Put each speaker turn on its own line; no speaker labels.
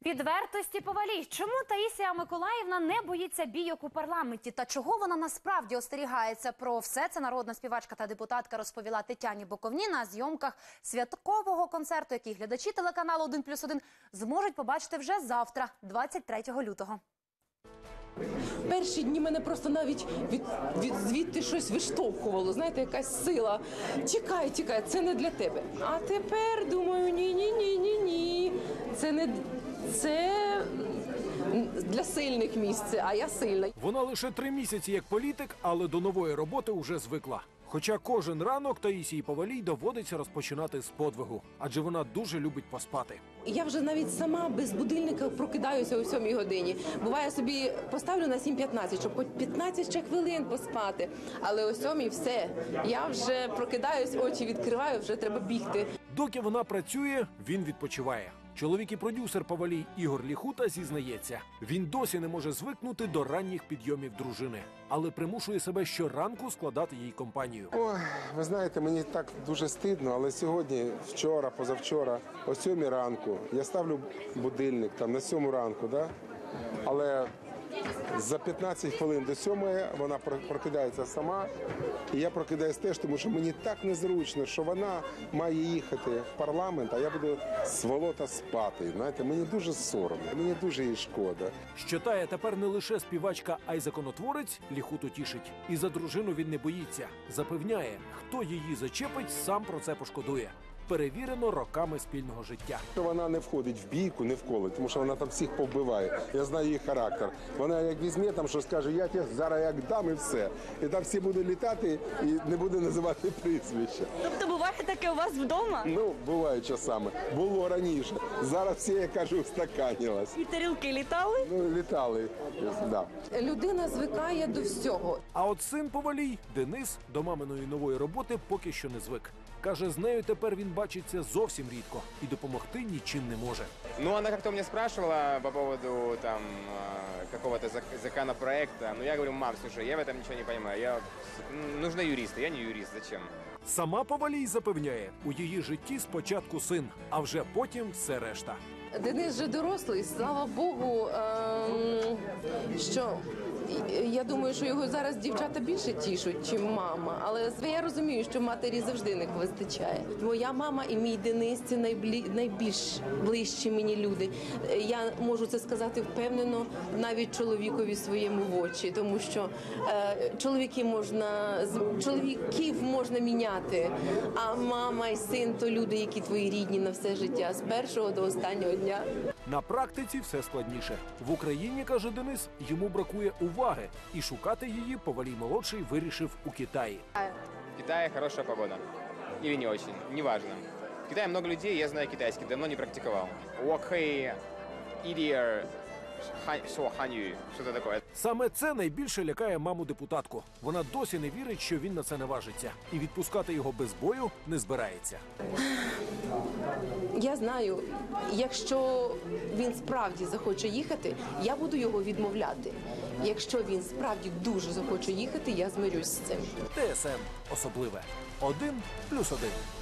Підвертості повалій. Чому Таїсія Миколаївна не боїться бійок у парламенті? Та чого вона насправді остерігається? Про все це народна співачка та депутатка розповіла Тетяні Боковній на зйомках святкового концерту, який глядачі телеканалу «1+1» зможуть побачити вже завтра, 23 лютого.
Перші дні мене просто навіть звідти щось виштовхувало, знаєте, якась сила. Тікай, тікай, це не для тебе. А тепер думаю, ні, це для сильних місце, а я сильна.
Вона лише 3 місяці як політик, але до нової роботи вже звикла. Хоча кожен ранок Таїсії Повалій доводиться розпочинати з подвигу, адже вона дуже любить поспати.
Я вже навіть сама без будильника прокидаюся о 7 годині. Буває, собі поставлю на 7:15, щоб хоч 15 ще хвилин поспати. Але о 7 все, я вже прокидаюсь, очі відкриваю, вже треба бігти.
Доки вона працює, він відпочиває. Чоловік і продюсер Повалій Ігор Ліхута зізнається, він досі не може звикнути до ранніх підйомів дружини, але примушує себе щоранку складати їй компанію.
Ой, ви знаєте, мені так дуже стидно, але сьогодні, вчора, позавчора, о 7 ранку, я ставлю будильник там на 7 ранку, да? Але за 15 хвилин до 7 вона прокидається сама, і я прокидаюсь теж, тому що мені так незручно, що вона має їхати в парламент, а я буду сволота спати. Знаєте, мені дуже соромно, мені дуже їй шкода.
Що Тая тепер не лише співачка, а й законотворець, Ліхуту тішить. І за дружину він не боїться. Запевняє, хто її зачепить, сам про це пошкодує. Перевірено роками спільного життя.
Вона не входить в бійку, не вколить, тому що вона там всіх повбиває. Я знаю її характер. Вона як візьме там, що скаже, я тебе зараз як дам і все. І там всі будуть літати і не буде називати прізвища.
Тобто буває таке у вас вдома?
Ну, буває часами. Було раніше. Зараз всі, я кажу, устаканилось.
І тарілки літали?
Ну, літали, да.
Людина звикає до всього.
А от син Повалій, Денис, до маминої нової роботи поки що не звик. Каже, з нею тепер він бачиться зовсім рідко і допомогти нічим не може.
Ну, она как-то меня спрашивала по поводу там какого-то законопроекта. Но я говорю, мам, слушай, я в этом ничего не понимаю. Нужны юристы, я не юрист, зачем?
Сама Повалій запевняє, у її житті спочатку син, а вже потім все решта.
Денис вже дорослий, слава Богу, що я думаю, що його зараз дівчата більше тішуть, ніж мама. Але я розумію, що матері завжди не вистачає. Моя мама і мій Денис – це найбільш ближчі мені люди. Я можу це сказати впевнено навіть чоловікові своєму в очі, тому що чоловіків можна міняти, а мама і син – то люди, які твої рідні на все життя, з першого до останнього дня.
На практиці все складніше. В Україні, каже Денис, йому бракує уваги. І шукати її Повалій-молодший вирішив у Китаї.
В Китае хорошая погода. Или не очень, неважно. В Китае много людей, я знаю китайский, давно не практиковал. Уокхэй, Идиер, Ханью, что-то такое.
Саме це найбільше лякає маму-депутатку. Вона досі не вірить, що він на це наважиться. І відпускати його без бою не збирається.
Я знаю, якщо він справді захоче їхати, я буду його відмовляти. Якщо він справді дуже захоче їхати, я змирюсь з цим.
ТСН особливе. 1+1.